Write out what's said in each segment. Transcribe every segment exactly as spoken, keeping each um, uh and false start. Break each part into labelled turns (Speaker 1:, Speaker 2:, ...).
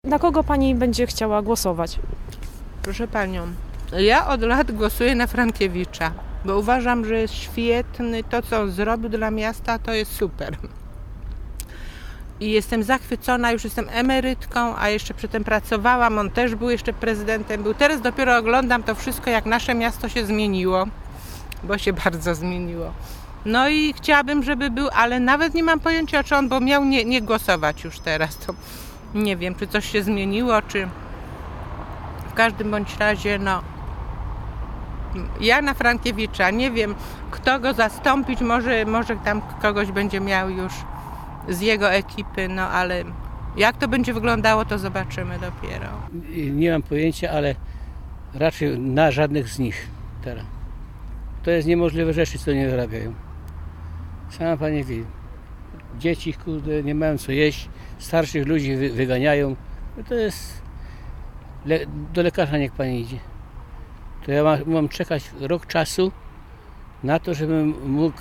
Speaker 1: Na kogo pani będzie chciała głosować?
Speaker 2: Proszę panią, ja od lat głosuję na Frankiewicza, bo uważam, że jest świetny. To, co on zrobił dla miasta, to jest super. I jestem zachwycona, już jestem emerytką, a jeszcze przedtem pracowałam. On też był jeszcze prezydentem. Był. Teraz dopiero oglądam to wszystko, jak nasze miasto się zmieniło, bo się bardzo zmieniło. No i chciałabym, żeby był, ale nawet nie mam pojęcia, czy on, bo miał nie, nie głosować już teraz. To nie wiem, czy coś się zmieniło, czy w każdym bądź razie, no, ja na Frankiewicza, nie wiem, kto go zastąpić, może, może tam kogoś będzie miał już z jego ekipy, no ale jak to będzie wyglądało, to zobaczymy dopiero.
Speaker 3: Nie mam pojęcia, ale raczej na żadnych z nich teraz. To jest niemożliwe rzeczy, co nie wyrabiają. Sama pani wie, dzieci, kurde, nie mają co jeść, starszych ludzi wy, wyganiają. No to jest, le, do lekarza niech pani idzie. To ja mam, mam czekać rok czasu na to, żebym mógł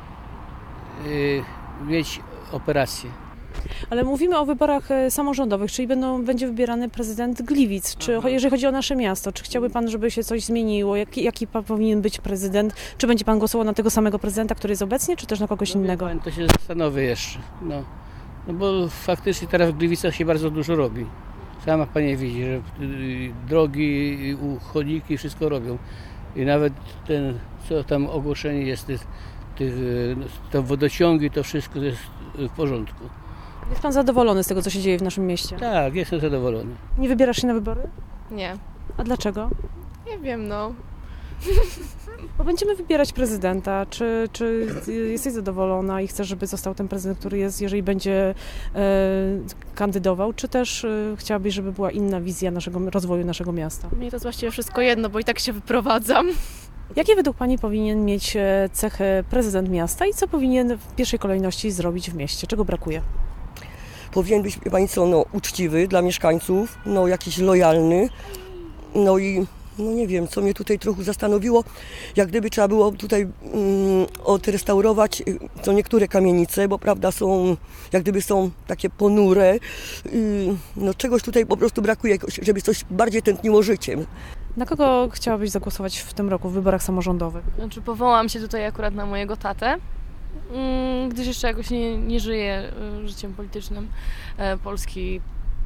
Speaker 3: yy, mieć operację.
Speaker 1: Ale mówimy o wyborach e, samorządowych, czyli będą, będzie wybierany prezydent Gliwic. Czy
Speaker 3: Aha.
Speaker 1: jeżeli chodzi o nasze miasto, czy chciałby pan, żeby się coś zmieniło? Jaki, jaki pan powinien być prezydent? Czy będzie pan głosował na tego samego prezydenta, który jest obecnie, czy też na kogoś
Speaker 3: No,
Speaker 1: innego?
Speaker 3: Pan, to się zastanowię jeszcze. No. No bo faktycznie teraz w Gliwicach się bardzo dużo robi. Sama pani widzi, że y, drogi, y, chodniki, wszystko robią. I nawet ten, co tam ogłoszenie jest, tych, tych, y, te wodociągi, to wszystko jest w porządku.
Speaker 1: Jest pan zadowolony z tego, co się dzieje w naszym mieście?
Speaker 3: Tak, jestem zadowolony.
Speaker 1: Nie wybierasz się na wybory?
Speaker 4: Nie.
Speaker 1: A dlaczego?
Speaker 4: Nie wiem, no.
Speaker 1: Bo będziemy wybierać prezydenta. Czy, czy jesteś zadowolona i chcesz, żeby został ten prezydent, który jest, jeżeli będzie e, kandydował? Czy też e, chciałabyś, żeby była inna wizja naszego rozwoju naszego miasta?
Speaker 4: Mnie to jest właściwie wszystko jedno, bo i tak się wyprowadzam.
Speaker 1: Jakie według pani powinien mieć e, cechy prezydent miasta i co powinien w pierwszej kolejności zrobić w mieście? Czego brakuje?
Speaker 5: Powinien być, wie pani co, no, uczciwy dla mieszkańców, no, jakiś lojalny, no i no nie wiem, co mnie tutaj trochę zastanowiło, jak gdyby trzeba było tutaj mm, odrestaurować y, co niektóre kamienice, bo prawda są, jak gdyby są takie ponure, y, no czegoś tutaj po prostu brakuje, żeby coś bardziej tętniło życiem.
Speaker 1: Na kogo chciałabyś zagłosować w tym roku w wyborach samorządowych?
Speaker 4: Znaczy powołam się tutaj akurat na mojego tatę, mm, gdyż jeszcze jakoś nie, nie żyję y, życiem politycznym e, Polski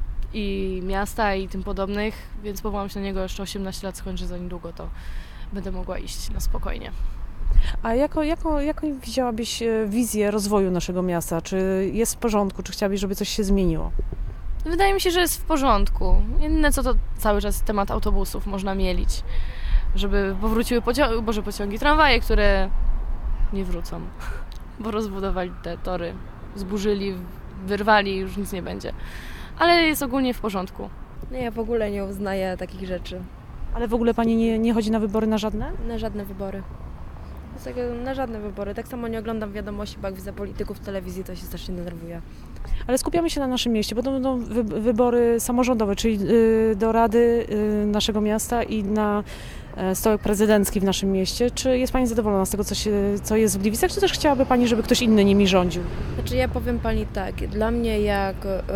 Speaker 4: i miasta i tym podobnych, więc powołam się na niego, jeszcze osiemnaście lat skończę za niedługo, to będę mogła iść na spokojnie.
Speaker 1: A jako, jako, jaką widziałabyś e, wizję rozwoju naszego miasta? Czy jest w porządku? Czy chciałabyś, żeby coś się zmieniło?
Speaker 4: Wydaje mi się, że jest w porządku. Jedyne co to cały czas temat autobusów można mielić, żeby powróciły pociągi, boże pociągi, tramwaje, które nie wrócą, bo rozbudowali te tory, zburzyli, wyrwali i już nic nie będzie. Ale jest ogólnie w porządku.
Speaker 6: No ja w ogóle nie uznaję takich rzeczy.
Speaker 1: Ale w ogóle pani nie, nie chodzi na wybory na żadne?
Speaker 6: Na żadne wybory. Tak, na żadne wybory. Tak samo nie oglądam wiadomości, bo jak widzę polityków w telewizji, to się strasznie denerwuję.
Speaker 1: Ale skupiamy się na naszym mieście, bo to będą wy, wybory samorządowe, czyli y, do Rady y, naszego miasta i na y, stołek prezydencki w naszym mieście. Czy jest pani zadowolona z tego, co, się, co jest w Gliwicach, czy też chciałaby pani, żeby ktoś inny nimi rządził?
Speaker 6: Znaczy ja powiem pani tak, dla mnie jak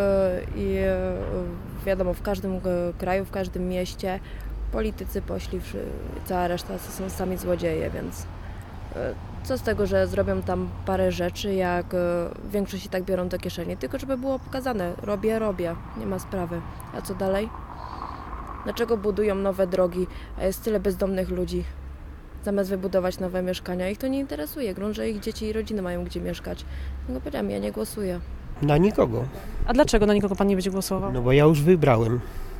Speaker 6: i wiadomo w każdym kraju, w każdym mieście politycy poszli, cała reszta to są sami złodzieje, więc co z tego, że zrobią tam parę rzeczy, jak większość i tak biorą do kieszeni, tylko żeby było pokazane, robię, robię, nie ma sprawy. A co dalej? Dlaczego budują nowe drogi, a jest tyle bezdomnych ludzi? Zamiast wybudować nowe mieszkania, ich to nie interesuje. Grunt, że ich dzieci i rodziny mają gdzie mieszkać. No powiedziałam, ja nie głosuję.
Speaker 7: Na nikogo.
Speaker 1: A dlaczego na nikogo pan nie będzie głosował?
Speaker 7: No bo ja już wybrałem.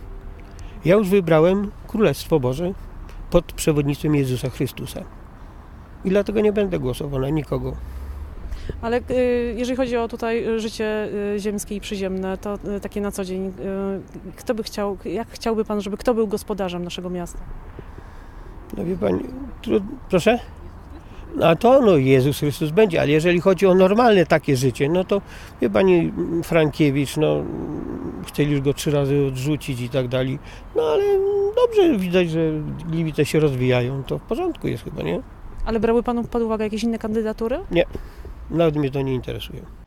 Speaker 7: Ja już wybrałem Królestwo Boże pod przewodnictwem Jezusa Chrystusa. I dlatego nie będę głosował na nikogo.
Speaker 1: Ale y, jeżeli chodzi o tutaj życie y, ziemskie i przyziemne, to y, takie na co dzień, y, kto by chciał, jak chciałby pan, żeby kto był gospodarzem naszego miasta?
Speaker 7: No wie pani, tru, proszę? A to no Jezus Chrystus będzie, ale jeżeli chodzi o normalne takie życie, no to wie pani Frankiewicz, no chcieli już go trzy razy odrzucić i tak dalej. No ale dobrze widać, że Gliwice się rozwijają, to w porządku jest chyba, nie?
Speaker 1: Ale brały panu pod uwagę jakieś inne kandydatury?
Speaker 7: Nie, nawet mnie to nie interesuje.